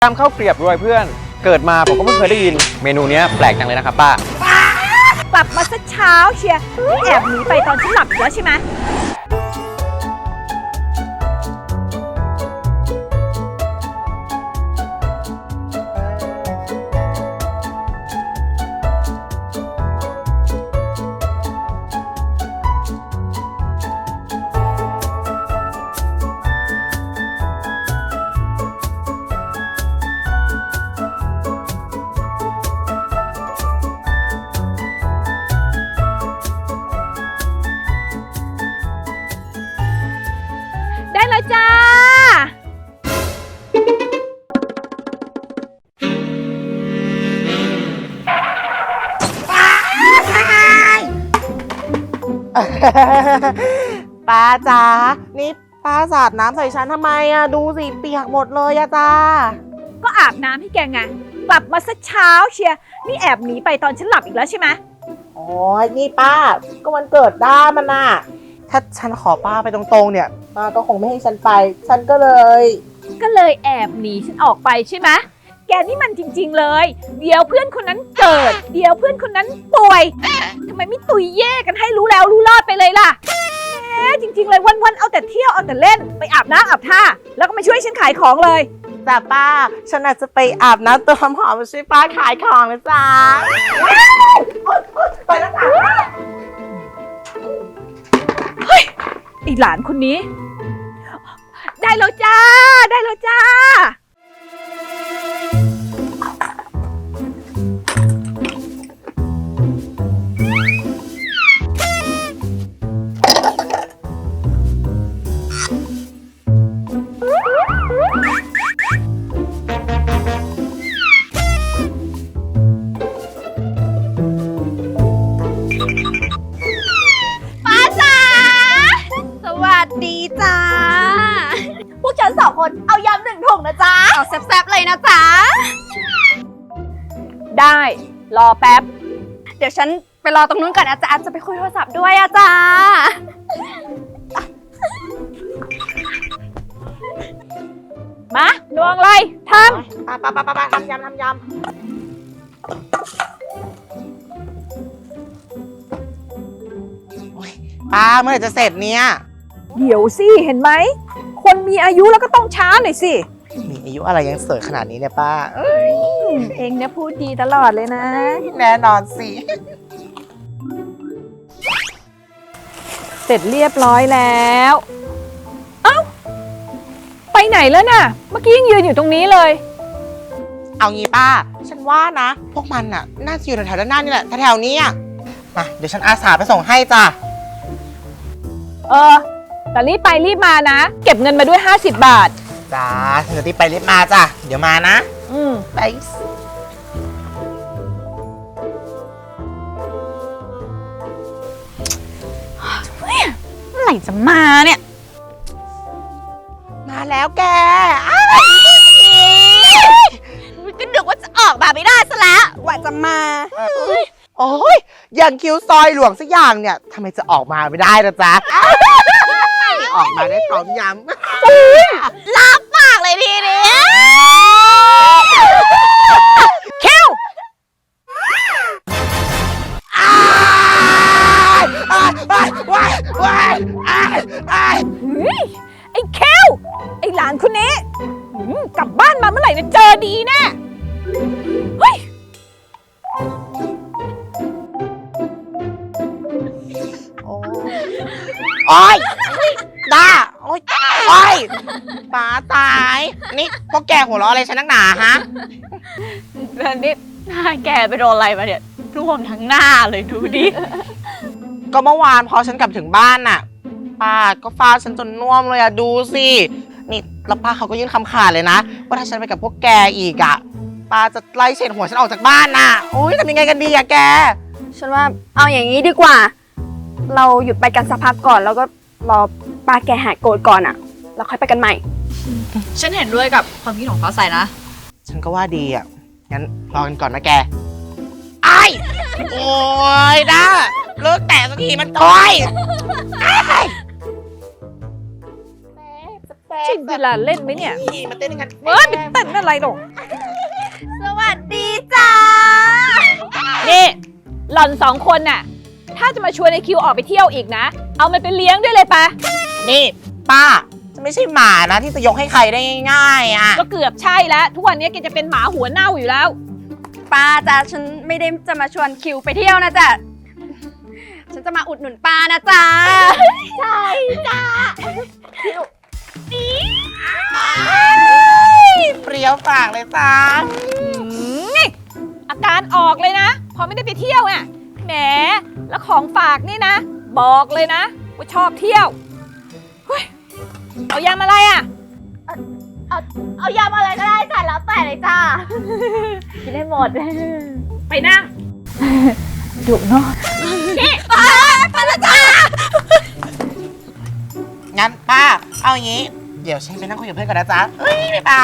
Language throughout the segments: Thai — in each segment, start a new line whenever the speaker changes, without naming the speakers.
ตามข้าวเกรียบรวยเพื่อนเกิดมาผมก็ไม่เคยได้ยินเมนูนี้แปลกจังเลยนะครับป้าก
ลับมาซะเช้าเชียร์แอบหนีไปตอนฉันหลับอยู่แล้วใช่ไหมได้แล้วจ้า
ป้าจ๋านี่ป้าสาดน้ำใส่ฉันทำไมอะดูสิเปียกหมดเลยอะจ้า
ก็อาบน้ำให้แกไงกลับมาซะเช้าเชียร์นี่แอบหนีไปตอนฉันหลับอีกแล้วใช่ไหม
โอ้ยนี่ป้าก็วันเกิดด้ามันน่ะถ้าฉันขอป้าไปตรงๆเนี่ยป้าก็คงไม่ให้ฉันไปฉันก็เลย
แอบหนีฉันออกไปใช่ไหมแกนี่มันจริงๆเลยเดี๋ยวเพื่อนคนนั้นเกิดเดี๋ยวเพื่อนคนนั้นป่วยทำไมไม่ตุยแย่กันให้รู้แล้วรู้รอดไปเลยล่ะจริงๆเลยวันๆเอาแต่เที่ยวเอาแต่เล่นไปอาบน้ำอาบท่าแล้วก็มาช่วยฉันขายของเลย
แต่ป้าฉันอาจจะไปอาบน้ำตัวหอมมาช่วยป้าขายของนะจ๊ะไปแล้วจ้ะ
เฮ้ยไอหลานคนนี้ได้แล้วจ้าได้แล้วจ้า
ดีจ้าพวกฉัน2 คนเอายำ1 ถุงนะจ๊ะเอาแซ่บๆเลยนะจ๊ะ
ได้รอแป๊บ
เดี๋ยวฉันไปรอตรงนู้นก่อนนะจ๊ะจะไปคุยโทรศัพท์ด้วยอะจ้า
มาดวงอะไรท
ำป้าทำยำป้าเมื่อไหร่จะเสร็จเนี่ย
เดี๋ยวสิเห็นไหมคนมีอายุแล้วก็ต้องช้าหน่อยสิ
มีอายุอะไรยังสวยขนาดนี้เนี่ยป้า
เองเนี่ยพูดดีตลอดเลยนะ
แน่นอนสิ
เสร็จเรียบร้อยแล้วเอ้าไปไหนแล้วน่ะเมื่อกี้ยังยืนอยู่ตรงนี้เลย
เอางี้ป้าฉันว่านะพวกมันน่ะน่าจะอยู่แถวๆด้านหน้านี่แหละแถวๆนี้มาเดี๋ยวฉันอาสาไปส่งให้จ้ะ
แต่รีบไปรีบมานะเก็บเงินมาด้วย50 บาท
จ้าฉันจะรีบไปรีบมาจ้ะเดี๋ยวมานะไป
เมื่อไหร่จะมาเนี่ย
มาแล้วแก
ก็นึกว่าจะออกมาไม่ได้ซะแล้วว่าจะมา
โอ้ยอย่างคิ้วซอยหลวงสักอย่างเนี่ยทำไมจะออกมาไม่ได้ล่ะจ๊ะออกมาได้พร้อมย
ลาบปากเลยทีนี้
คิวไอ้คิวไอ้หลานคนนี้กลับบ้านมาเมื่อไหร่จะเจอดีแน่เฮ้ย
โอ๊ยด้าโอ๊ยป้าตายนี่พวกแกหัวเราะอะไรฉันนักหนาฮะ
นี่หน้าแกไปโดนอะไรมาเนี่ยร่วงทั้งหน้าเลยดูดิ
ก็เมื่อวานพอฉันกลับถึงบ้านน่ะป้าก็ฟาดฉันจนน่วมเลยดูสินี่แล้วป้าเขาก็ยื่นคำขาดเลยนะว่าถ้าฉันไปกับพวกแกอีกป้าจะไล่เฉดหัวฉันออกจากบ้านน่ะโอ๊ยทำยังไงกันดีแก
ฉันว่าเอาอย่างนี้ดีกว่าเราหยุดไปกันสักพักก่อนแล้วก็รอป้าแกหายโกรธก่อนแล้วค่อยไปกันใหม่
ฉันเห็นด้วยกับความคิดของฟ้าใสนะ
ฉันก็ว่าดีงั้นรอกันก่อนนะแกโอ๊ยด้าเลิกแตะสักทีมันต่อย
ชินเวลาเล่นไหมเนี่ย
มาเต้นกัน
ไม่เต้นอะไรหรอก
สวัสดีจ้า
นี่หล่อนสองคนน่ะ ถ้าจะมาชวนไอคิวออกไปเที่ยวอีกนะ เอามันไปเลี้ยงด้วยเลยปะ
นี่ป้าจะไม่ใช่หมานะที่จะยกให้ใครได้ง่ายๆอ่ะ
ก็เกือบใช่แล้ว ทุกวันนี้แกจะเป็นหมาหัวเน่าอยู่แล้ว
ป้าจ้ะฉันไม่ได้จะมาชวนคิวไปเที่ยวนะจ๊ะฉันจะมาอุดหนุนป้านะจ๊ะใช่จ้า
เปรี้ยวปากเลยจ้า
นี่อาการออกเลยนะ พอไม่ได้ไปเที่ยวน่ะแหมแล้วของฝากนี่นะ บอกเลยนะว่าชอบเที่ยวเฮ้ยเอายำอะไรอ่ะ
เอายำอะไรก็ได้จ้ะแล้วแต่เลยจ้ากินได้หมด
ไปนั่งดุเนาะ
งั้นป้าเอาอย่างนี้ เดี๋ยวฉันไปนั่งคุยกับเพื่อนก่อนนะจ๊ะเฮ้ยบ๊ายบาย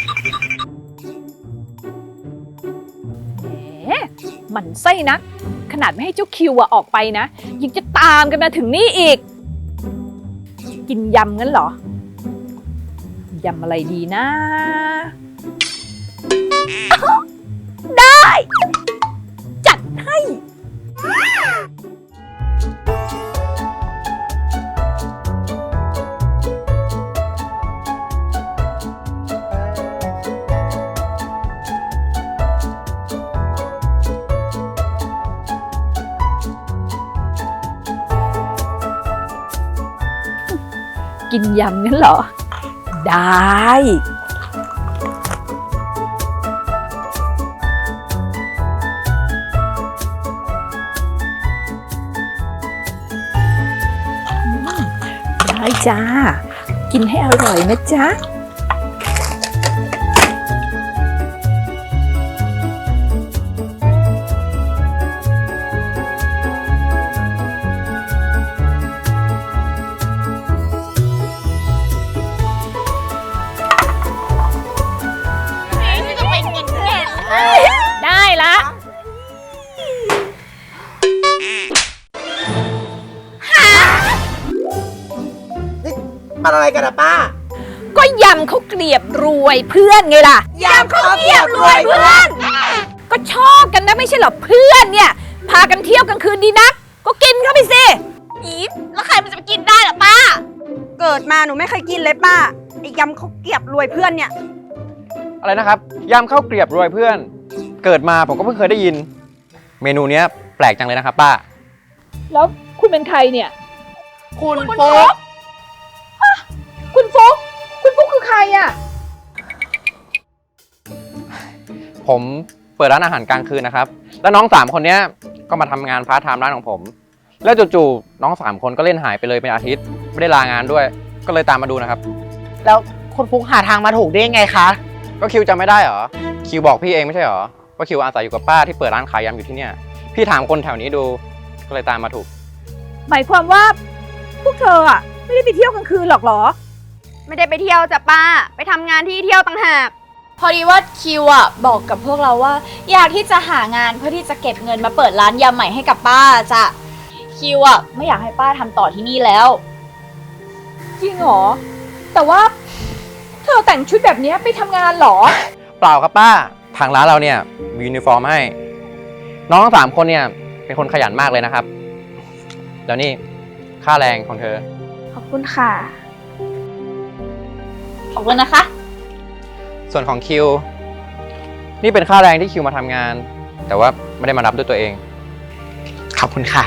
แหมหมันไส้นัก ขนาดไม่ให้เจ้าคิวอะออกไปนะยังจะตามกันมาถึงนี่อีก กินยำงั้นเหรอยำอะไรดีนะ ได้ จัดให้ กินยำงั้นเหรอ ได้ ได้จ้า กินให้อร่อยนะจ๊ะ ได้ละ
มันอะไรกันนะป้า
ก็ยำเขาวเกลียบรวยเพื่อนไงล่ะ
ยำข้าวเกรียบรวยเพื่อน
ก็ชอบกันนะไม่ใช่เหรอเพื่อนเนี่ย พากันเที่ยวกลางคืนดีนัก ก็กินเข้าไปสิ
อีฟแล้วใครมันจะไปกินได้ล่ะป้า เกิดมาหนูไม่เคยกินเลยป้าไอ้ยำข้าวเกรียบรวยเพื่อนเนี่ย
อะไรนะครับยำข้าวเกรียบรวยเพื่อน เกิดมาผมก็เพิ่งเคยได้ยิน เมนูเนี้ยแปลกจังเลยนะครับป้า
แล้วคุณเป็นใครเนี่ย
คุณฟุ๊ก
คุณฟุ๊กคุณฟุ๊กคือใครอ่ะ
ผมเปิดร้านอาหารกลางคืนนะครับ แล้วน้อง3คนเนี้ยก็มาทำงานพาร์ทไทม์ร้านของผม แล้วจู่ๆน้อง3คนก็เล่นหายไปเลยเป็นอาทิตย์ไม่ได้ลางานด้วย ก็เลยตามมาดูนะครับ
แล้วคุณฟุ๊กหาทางมาถูกได้ยังไงคะ
ก็คิวจำไม่ได้เหรอคิวบอกพี่เองไม่ใช่เหรอว่าคิวอาศัยอยู่กับป้าที่เปิดร้านขายยำอยู่ที่เนี่ยพี่ถามคนแถวนี้ดูก็เลยตามมาถูก
หมายความว่าพวกเธออ่ะไม่ได้ไปเที่ยวกลางคืนหรอกเหรอ
ไม่ได้ไปเที่ยวจ้ะป้า ไปทำงานที่เที่ยวต่างหาก
พอดีว่าคิวอ่ะบอกกับพวกเราว่า อยากที่จะหางานเพื่อที่จะเก็บเงินมาเปิดร้านยำใหม่ให้กับป้าจ้ะคิวอ่ะไม่อยากให้ป้าทำต่อที่นี่แล้ว
จริงเหรอ แต่ว่าเธอแต่งชุดแบบนี้ไปทำงานเหรอ
เปล่าครับป้าทางร้านเราเนี่ยมียูนิฟอร์มให้ น้องทั้ง3คนเนี่ยเป็นคนขยันมากเลยนะครับแล้วนี่ค่าแรงของเธอ
ขอบคุณค่ะ
ขอบคุณนะคะ
ส่วนของคิวนี่เป็นค่าแรงที่คิวมาทำงาน แต่ว่าไม่ได้มารับด้วยตัวเอง
ขอบคุณค่ะ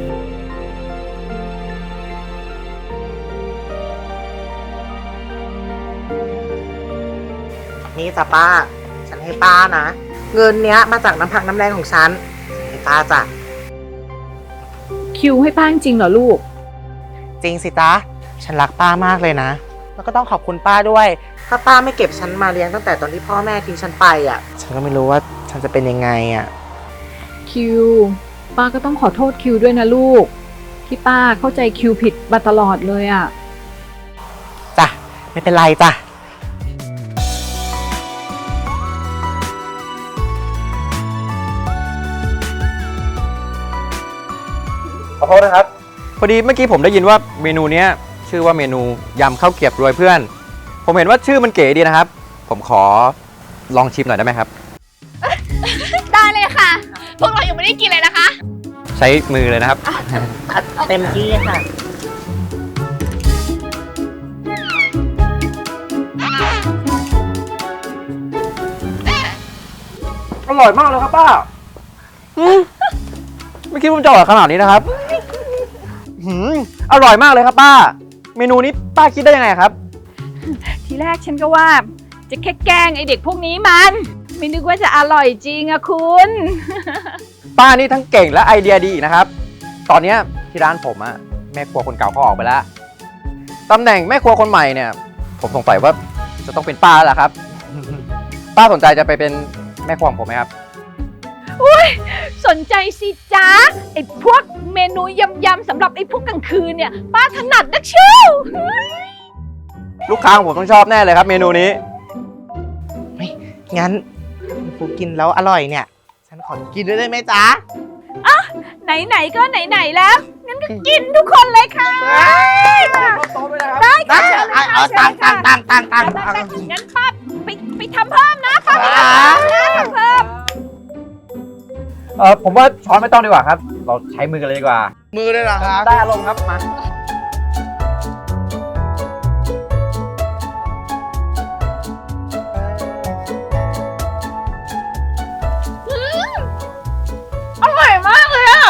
นี่จ้ะป้า ฉันให้ป้านะ เงินเนี้ยมาจากน้ำพักน้ำแรงของฉันให้ป้าจ้ะ
คิวให้ป้าจริงเหรอลูก
จริงสิจ๊ะ ฉันรักป้ามากเลยนะ แล้วก็ต้องขอบคุณป้าด้วย ถ้าป้าไม่เก็บฉันมาเลี้ยงตั้งแต่ตอนที่พ่อแม่ทิ้งฉันไปอ่ะ ฉันก็ไม่รู้ว่าฉันจะเป็นยังไงอ่ะ
คิว ป้าก็ต้องขอโทษคิวด้วยนะลูก ที่ป้าเข้าใจคิวผิดมาตลอดเลยอ่ะ
จ้ะ ไม่เป็นไรจ้ะ
ขอโทษนะครับ พอดีเมื่อกี้ผมได้ยินว่าเมนูเนี้ยชื่อว่าเมนูยำข้าวเกรียบรวยเพื่อน ผมเห็นว่าชื่อมันเก๋ดีนะครับ ผมขอลองชิมหน่อยได้ไหมครับ
พวกเรายังไม่ได้กินเลยนะคะ
ใช้มือเลยนะครับ
เต็มที่ค่ะ
อร่อยมากเลยครับป้าไม่คิดว่ามันจะอร่อยขนาดนี้นะครับอร่อยมากเลยครับป้า เมนูนี้ป้าคิดได้ยังไงครับ
ทีแรกฉันก็ว่าจะแค่แกล้งไอเด็กพวกนี้มัน ไม่นึกว่าจะอร่อยจริงอะคุณ
ป้านี่ทั้งเก่งและไอเดียดีอีกนะครับ ตอนเนี้ยที่ร้านผมอะแม่ครัวคนเก่าเขาออกไปแล้วตำแหน่งแม่ครัวคนใหม่เนี่ย ผมสงสัยว่าจะต้องเป็นป้าแล้วล่ะครับ ป้าสนใจจะไปเป็นแม่ครัวของผมไหมครับ
สนใจสิจ๊ะไอพวกเมนูยำๆสำหรับไอพวกกลางคืนเนี่ยป้าถนัดนักเชียว
ลูกค้าของผมต้องชอบแน่เลยครับ เมนูนี้
งั้นกูกินแล้วอร่อยเนี่ย ฉันขอกินด้วยได้ไหมจ๊ะ
ไหนๆก็ไหนๆแล้วงั้นก็กินทุกคนเลยค่ะได้
ได้
ค่ะเชิญเลย
เอา
ค่ะ
ตัง
เชิญ
ตัง
ค่ะ
ตัง
งั้นป้าไปทำเพิ่มนะป้าไปทำเพิ่มนะทำเพิ่ม
ผมว่าช้อนไม่ต้องดีกว่าครับ เราใช้มือกันเลยดีกว่า
มือเลยเหรอครับ
ได้อารมณ์ครับมา
อร่อยมากเลยอะ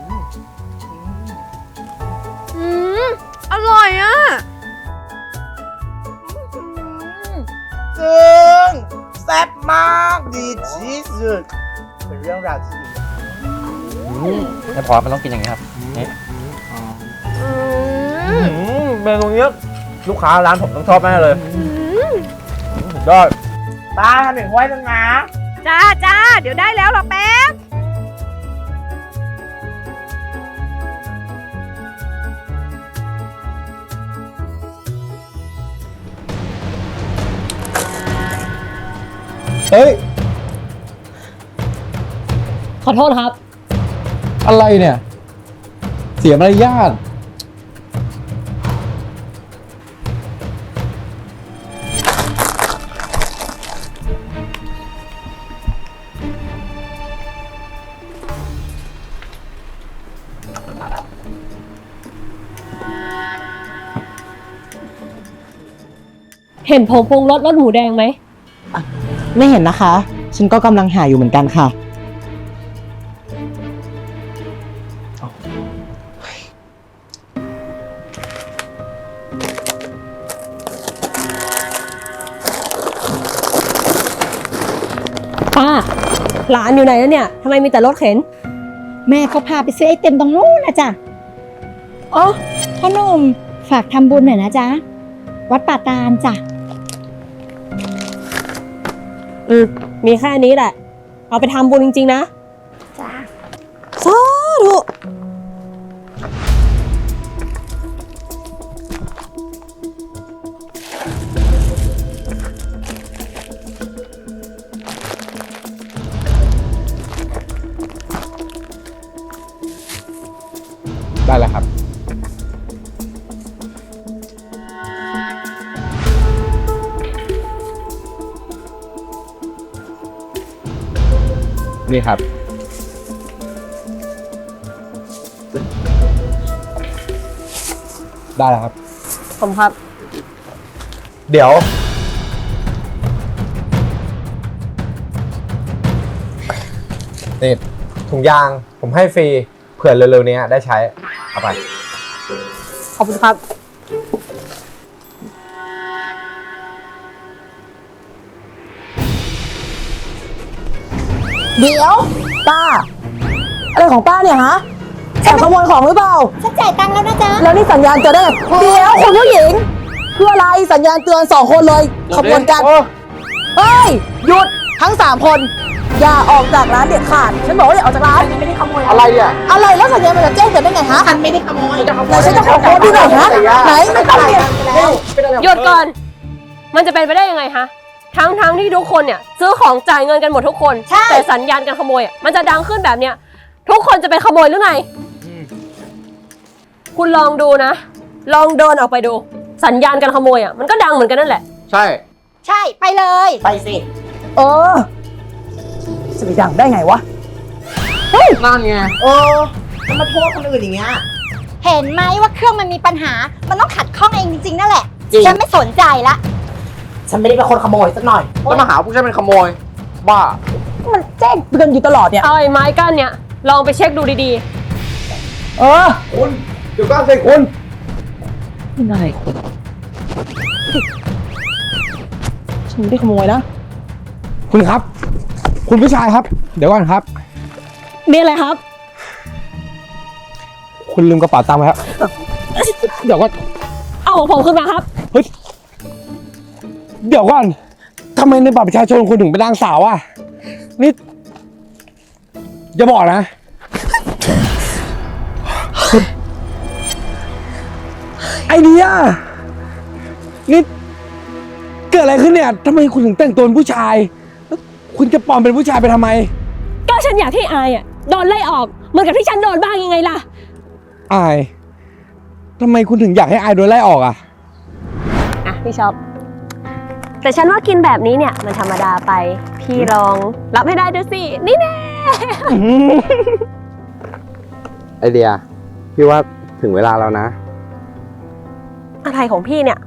อร่อยอ่ะ
ซึ่งแซ่บมากดีที่สุดเป็นเรื่องราวที่ดี
ไม่พอมันต้องกินอย่างนี้ครับนี่เมนูนี้ลูกค้าร้านผมต้องชอบแน่เลยสุดยอด
ป้าทำหนึ่งห้วยนึงนะ
จ้าเดี๋ยวได้แล้วรอแป๊บ
เฮ้ย
ขอโทษครับ
อะไรเนี่ย เสียมารยาท
เห็นผงปรุงรสรสหมูแดงไหม
ไม่เห็นนะคะ ฉันก็กำลังหาอยู่เหมือนกันค่ะ
ป้า หลานอยู่ไหนแล้วเนี่ยทำไมมีแต่รถเข็น
แม่เขาพาไปซื้อไอเต็มตรงนู้นนะจ๊ะอ๋อพ่อหนุ่มฝากทำบุญหน่อยนะจ๊ะ วัดป่าตาลจ้ะ
มีแค่นี้แหละ เอาไปทำบุญจริงๆนะ
จ้ะ
สาธุ
ได้แล้วครับ นี่ครับ ได้แล้วครับ
ผมครับ
เดี๋ยว
นี่ถุงยางผมให้ฟรีเผื่อเร็วๆนี้ได้ใช้ เอาไป
ขอบคุณครับ
เดี๋ยวป้า อะไรของป้าเนี่ยฮะแอบขโมยของหรือเปล่า
ฉันจ่ายตังค์แล้วนะจ๊ะ
แล้วนี่สัญญาณเตือนได้ไงเดี๋ยวคุณผู้หญิงเพื่ออะไรสัญญาณเตือน2 คนเลยขบวนกันเฮ้ยหยุดทั้ง3 คน อย่าออกจากร้านเด็ดขาดฉันบอกว่าอย่าออกจากร้านไม่ได้ขโมย
อะไรเนี่ย
อะไรแล้วสัญญาณมันจะแจ้งเตือนได้ไงฮะ
ฉันไม่ได้ขโมย
ไหนฉันจะขอโค้ดดูหน่อยฮะไหนไม่ต้องเนี่ย
หยุดก่อน มันจะเป็นไปได้ยังไงฮะ ทั้งที่ทุกคนเนี่ยซื้อของจ่ายเงินกันหมดทุกคน แต่สัญญาณการขโมยอ่ะมันจะดังขึ้นแบบเนี้ย ทุกคนจะเป็นขโมยหรือไง คุณลองดูนะ ลองเดินออกไปดู สัญญาณการขโมยอ่ะมันก็ดังเหมือนกันนั่นแหละ
ใช่
ใช่ไปเลย
ไปสิ
เออจะไปดังได้ไงวะ
นั่นไง
แล้วมาโทษคนอื่นอย่างเงี้ย
เห็นไหมว่าเครื่องมันมีปัญหา มันต้องขัดข้องเองจริงๆนั่นแหละ
จริง
ฉันไม่สนใจละ
ฉันไม่ได้เป็นคนขโมยสักหน่อย
แล้วมาหาผู้ชายเป็นขโมย บ้า
มันแจ้งเตือนอยู่ตลอดเนี่ย
เอาไอ้ไม้กั้นเนี่ยลองไปเช็คดูดี
เออ
คุณเดี๋ยวก่อนสิคุณ
นี่นายคุณฉันไม่ได้ขโมยนะ
คุณครับ คุณผู้ชายครับ เดี๋ยวก่อนครับ
มีอะไรครับ
คุณลืมกระเป๋าตังค์ไว้ครับ เดี๋ยวก่อน
เอาของผมขึ้นมาครับ
เดี๋ยวก่อนทำไมในบัตรประชาชนคุณถึงเป็นนางสาวอ่ะ นี่อย่าบอกนะ ไอเดียนี่เกิดอะไรขึ้นเนี่ยทำไมคุณถึงแต่งตัวเป็นผู้ชายแล้วคุณจะปลอมเป็นผู้ชายไปทำไม
ก็ฉันอยากให้อายอ่ะโดนไล่ออกเหมือนกับที่ฉันโดนบ้างยังไงล่ะ
อายทำไมคุณถึงอยากให้อายโดนไล่ออกอ่ะ
อ่ะพี่ช็อปแต่ฉันว่ากินแบบนี้เนี่ยมันธรรมดาไป พี่ลองรับให้ได้ด้วยสิ นี่แน่
ไอเดีย พี่ว่าถึงเวลาแล้วนะ
อะไรของพี่เนี่ย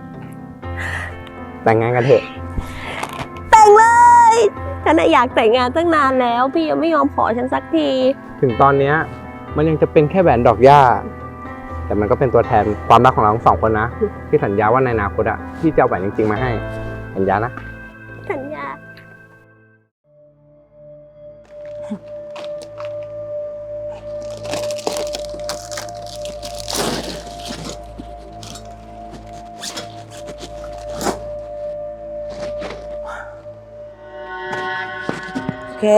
แต่งงานกันเถอะ
แต่งเลย ฉันน่ะอยากแต่งงานตั้งนานแล้ว พี่ยังไม่ยอมขอฉันสักที
ถึงตอนเนี้ยมันยังจะเป็นแค่แหวนดอกหญ้า แต่มันก็เป็นตัวแทนความรักของเราทั้งสองคนนะ พี่สัญญาว่าในอนาคตอะพี่จะเอาแหวนจริงๆมาให้ สัญญานะ
สัญญา
โอเค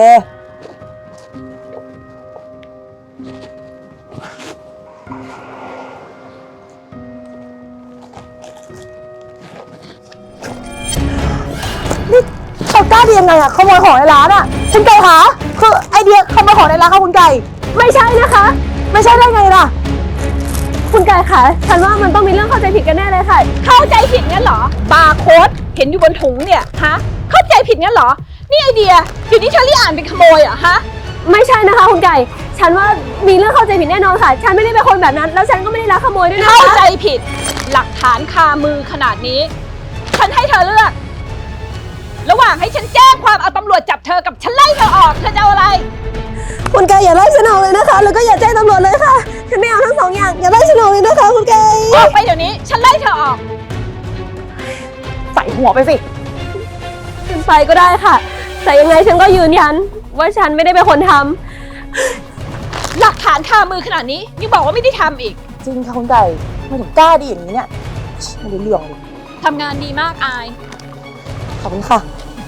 นี่เขากล้าดียังไงอะขโมยของในร้านอะคุณไก่คะคือไอเดียขโมยของในร้านค่ะคุณไก่
ไม่ใช่นะคะ
ไม่ใช่ได้ไงล่ะ
คุณกายคะฉันว่ามันต้องมีเรื่องเข้าใจผิดกันแน่เลยค่ะ
เข้าใจผิดงั้นเหรอ บาร์โค้ดเห็นอยู่บนถุงเนี่ยฮะ เข้าใจผิดงั้นเหรอ นี่ไอเดียอยู่นี่เชอรี่อ่านเป็นขโมยเหรอฮะ
ไม่ใช่นะคะคุณไก่ฉันว่ามีเรื่องเข้าใจผิดแน่นอนค่ะ ฉันไม่ได้เป็นคนแบบนั้น แล้วฉันก็ไม่ได้ลักขโมยด้วยนะคะ
เข้าใจผิด หลักฐานคามือขนาดนี้ ฉันให้เธอเลือก ระหว่างให้ฉันแจ้งความเอาตำรวจจับเธอกับฉันไล่เธอออก เธอจะเอาอะไร
คุณไก่อย่าไล่ฉันออกเลยนะคะ แล้วก็อย่าแจ้งตำรวจเลยค่ะ ฉันไม่เอาทั้งสองอย่าง อย่าไล่ฉันออกเลยนะคะ คุณไก่
ออกไปเดี๋ยวนี้ ฉันไล่เธอออก
ใส่หัวไปสิ
ฉันไปก็ได้ค่ะ แต่ยังไงฉันก็ยืนยันว่าฉันไม่ได้เป็นคนทำ
หลักฐานคามือขนาดนี้ยังบอกว่าไม่ได้ทำอีก
จริงค่ะคุณไก่ทำไมถึงกล้าดีอย่างนี้เนี่ยไม่ได้เรื่องเลย
ทำงานดีมากอาย
ขอบคุณค่ะ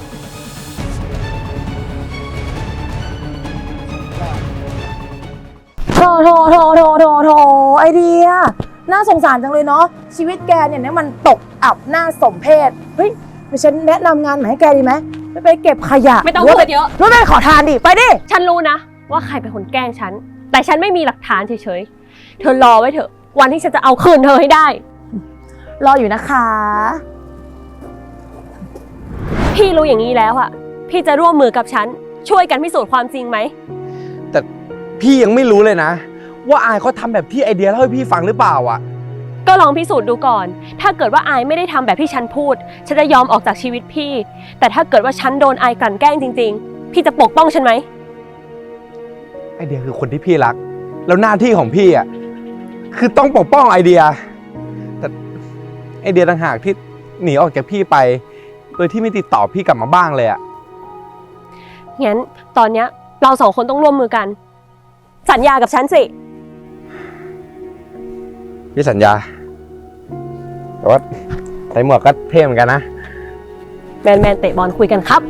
โถไอเดีย น่าสงสารจังเลยเนาะ ชีวิตแกเนี่ยมันตกอับหน้าสมเพชเฮ้ยไปฉันแนะนำงานใหม่ให้แกดีไหมไปเก็บขยะ
ไม่ต้องพูดเยอะ
รู้ไหมขอทานดิ ไปดิ
ฉันรู้นะว่าใครเป็นคนแกล้งฉัน แต่ฉันไม่มีหลักฐานเฉยๆ เธอรอไว้เถอะ วันที่ฉันจะเอาคืนเธอให้ได้
รออยู่นะคะ
พี่รู้อย่างนี้แล้วอะพี่จะร่วมมือกับฉัน ช่วยกันพิสูจน์ความจริงไหม
แต่พี่ยังไม่รู้เลยนะ ว่าอายเขาทำแบบที่ไอเดียเล่าให้พี่ฟังหรือเปล่าอ่ะ
ก็ลองพิสูจน์ดูก่อน ถ้าเกิดว่าอายไม่ได้ทำแบบที่ฉันพูด ฉันจะยอมออกจากชีวิตพี่ แต่ถ้าเกิดว่าฉันโดนอายกลั่นแกล้งจริงๆ พี่จะปกป้องฉันไหม
ไอเดียคือคนที่พี่รัก แล้วหน้าที่ของพี่อ่ะคือต้องปกป้องไอเดีย แต่ไอเดียต่างหากที่หนีออกจากพี่ไป โดยที่ไม่ติดต่อพี่กลับมาบ้างเลยอ่ะ
งั้นตอนเนี้ยเราสองคนต้องร่วมมือกัน สัญญากับฉันสิ
พี่สัญญา แต่ว่าใส่หมวกก็เท่เหมือนกันนะ
แมนเตะบอลคุยกันครับ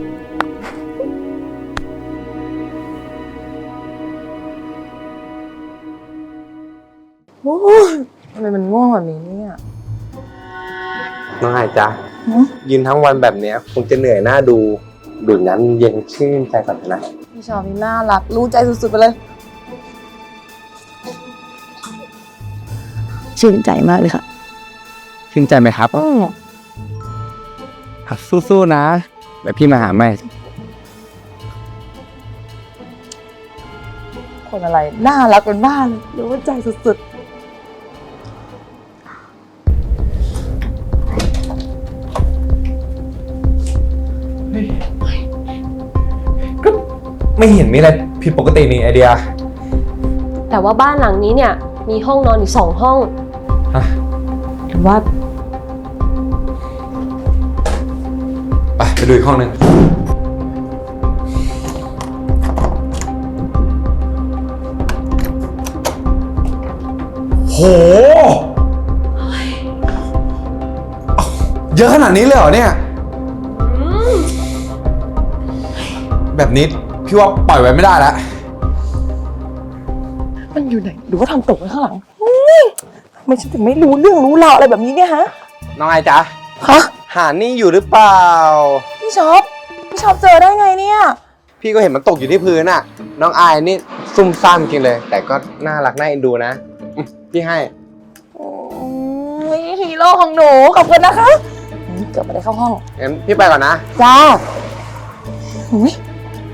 โอ้ยทำไมมันง่วงแบบนี้เนี่ย
น้องไอจ๊ะยืนทั้งวันแบบเนี้ยคงจะเหนื่อยหน้าดูดื่มน้ำเย็นชื่นใจก่อนนะ
พี่ชอบนี่น่ารัก รู้ใจสุดๆไปเลย ชื่นใจมากเลยค่ะ
ชื่นใจไหมครับสู้ๆนะเดี๋ยวพี่มาหาใหม่
คนอะไร น่ารักเป็นบ้าเลยรู้ว่าใจสุดๆ
ก็ไม่เห็นมีอะไรผิดปกตินี่ไอเดีย
แต่ว่าบ้านหลังนี้เนี่ยมีห้องนอนอยู่2 ห้อง
ฮะ
หรือว่า
ไปดูอีกห้องหนึ่งโห เยอะขนาดนี้เลยเหรอเนี่ย แบบนี้พี่ว่าปล่อยไว้ไม่ได้แล้ว
มันอยู่ไหนหรือว่าทำตกไว้ข้างหลังทำไมฉันถึงไม่รู้เรื่องรู้ราวอะไรแบบนี้เนี่ยฮะ
น้องไอจ๊ะ
ฮะ
หานี่อยู่หรือเปล่า
พี่ช็อปเจอได้ไงเนี่ย
พี่ก็เห็นมันตกอยู่ที่พื้นน่ะ น้องอายนี่ซุ่มซ่ามจริงเลย แต่ก็น่ารักน่าเอ็นดูนะพี่ให้
ฮีโร่ของหนูขอบคุณนะคะเกือบไม่ได้เข้าห้อง
งั้นพี่ไปก่อนนะ
จ้าอุ๊ย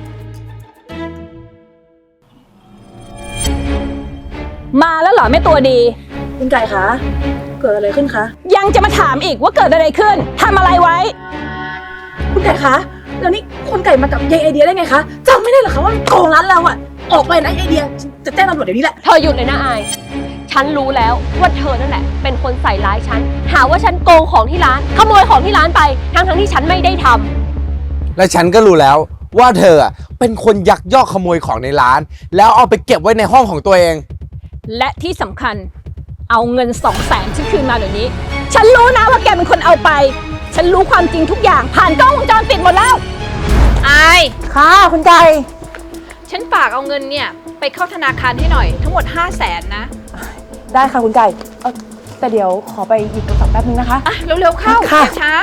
มาแล้วเหรอแม่ตัวดี
คุณไก่คะเกิดอะไรขึ้นคะ
ยังจะมาถามอีกว่าเกิดอะไรขึ้นทำอะไรไว้
คุณไก่คะแล้วนี่คุณไก่มากับยายไอเดียได้ไงคะจำไม่ได้เหรอคะว่าโกงร้านเราอะออกไปนะยายไอเดียจะแจ้งตำรวจเดี๋ยวนี้แหละ
เธอหยุดเลยนะอาย ฉันรู้แล้วว่าเธอนั่นแหละเป็นคนใส่ร้ายฉัน หาว่าฉันโกงของที่ร้าน ขโมยของที่ร้านไป ทั้งที่ฉันไม่ได้ทำ
และฉันก็รู้แล้วว่าเธออะเป็นคนยักยอกขโมยของในร้าน แล้วเอาไปเก็บไว้ในห้องของตัวเอง
และที่สำคัญเอาเงิน200,000ฉันคืนมาเดี๋ยวนี้ ฉันรู้นะว่าแกเป็นคนเอาไป ฉันรู้ความจริงทุกอย่างผ่านกล้องวงจรปิดหมดแล้ว
อาย
ค่ะคุณไก่
ฉันฝากเอาเงินเนี่ยไปเข้าธนาคารให้หน่อยทั้งหมด500,000นะ
ได้ค่ะคุณไก่แต่เดี๋ยวขอไปหยิบโทรศัพท์แป๊บนึงนะคะ
อ่ะเร็วๆเข้า
ค่ะ
อย่าช้า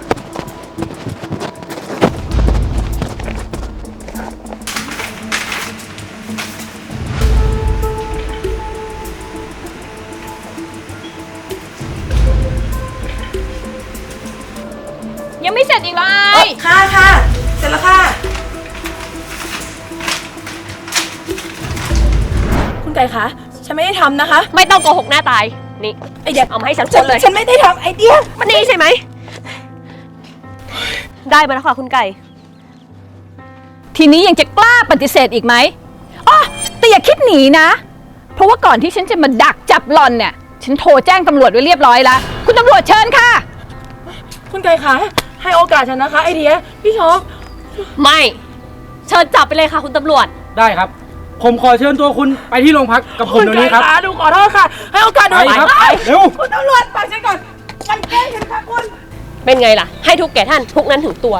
ยังไม่เสร็จอีกเหรอไอ้
ค่ะเสร็จแล้วค่ะ คุณไก่คะฉันไม่ได้ทำนะคะ
ไม่ต้องโกหกหน้าตาย นี่
ไอเดีย
เอามาให้ฉันคนเลย
ฉันไม่ได้ทำไอเดีย
มันนี่ใช่ไหม ได้มาแล้วค่ะคุณไก่
ทีนี้ยังจะกล้าปฏิเสธอีกไหมอ๋อแต่อย่าคิดหนีนะ เพราะว่าก่อนที่ฉันจะมาดักจับหล่อนเนี่ย ฉันโทรแจ้งตำรวจไว้เรียบร้อยแล้ว คุณตำรวจเชิญค่ะ
คุณไก่คะให้โอกาสฉันนะคะไอเดียพี่ช็อป
ไม่ เชิญจับไปเลยค่ะคุณตำรวจ
ได้ครับ ผมขอเชิญตัวคุณไปที่โรงพักกับผมเดี๋ยวนี้ครับ
ณไก่คะดูขอโทษค่ะ ให้โอกาสหนู
ไปครับ เร็ว
คุณตำรวจฟังฉันก่อนมันแกล้งฉันค่ะคุณ
เป็นไงล่ะ ให้ทุกแก่ท่านทุกนั้นถึงตัว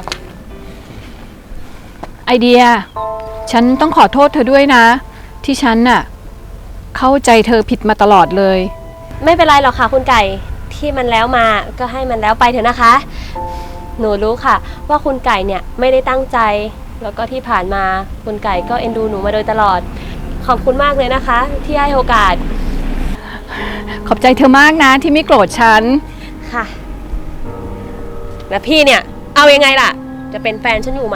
ไอเดีย ฉันต้องขอโทษเธอด้วยนะ ที่ฉันน่ะเข้าใจเธอผิดมาตลอดเลย
ไม่เป็นไรหรอกค่ะคุณไก่ ที่มันแล้วมาก็ให้มันแล้วไปเถอะนะคะ หนูรู้ค่ะ ว่าคุณไก่เนี่ยไม่ได้ตั้งใจ แล้วก็ที่ผ่านมาคุณไก่ก็เอ็นดูหนูมาโดยตลอด ขอบคุณมากเลยนะคะ ที่ให้โอกาส
ขอบใจเธอมากนะที่ไม่โกรธฉัน
ค่ะ แล้วพี่เนี่ย เอายังไงล่ะ จะเป็นแฟนฉันอยู่ไหม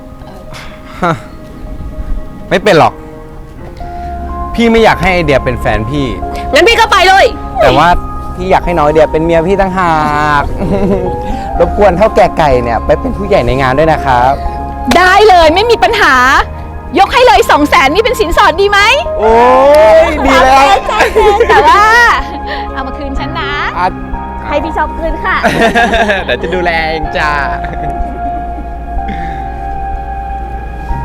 ไม่เป็นหรอก พี่ไม่อยากให้ไอเดียเป็นแฟนพี่
งั้นพี่ก็ไปเลย
แต่ว่าพี่อยากให้น้องไอเดียเป็นเมียพี่ตั้งหาก รบกวนเท่าแก่ไก่เนี่ยไปเป็นผู้ใหญ่ในงานด้วยนะครับ
ได้เลยไม่มีปัญหา ยกให้เลย200,000นี่เป็นสินสอดดีไหม
โอ้ยดีแล้ว
แต่ว่า เอามาคืนฉันนะ
อ่ะ
ให้พี่ชอบคืนค่ะ
เดี๋ยวจะดูแลเองจ้า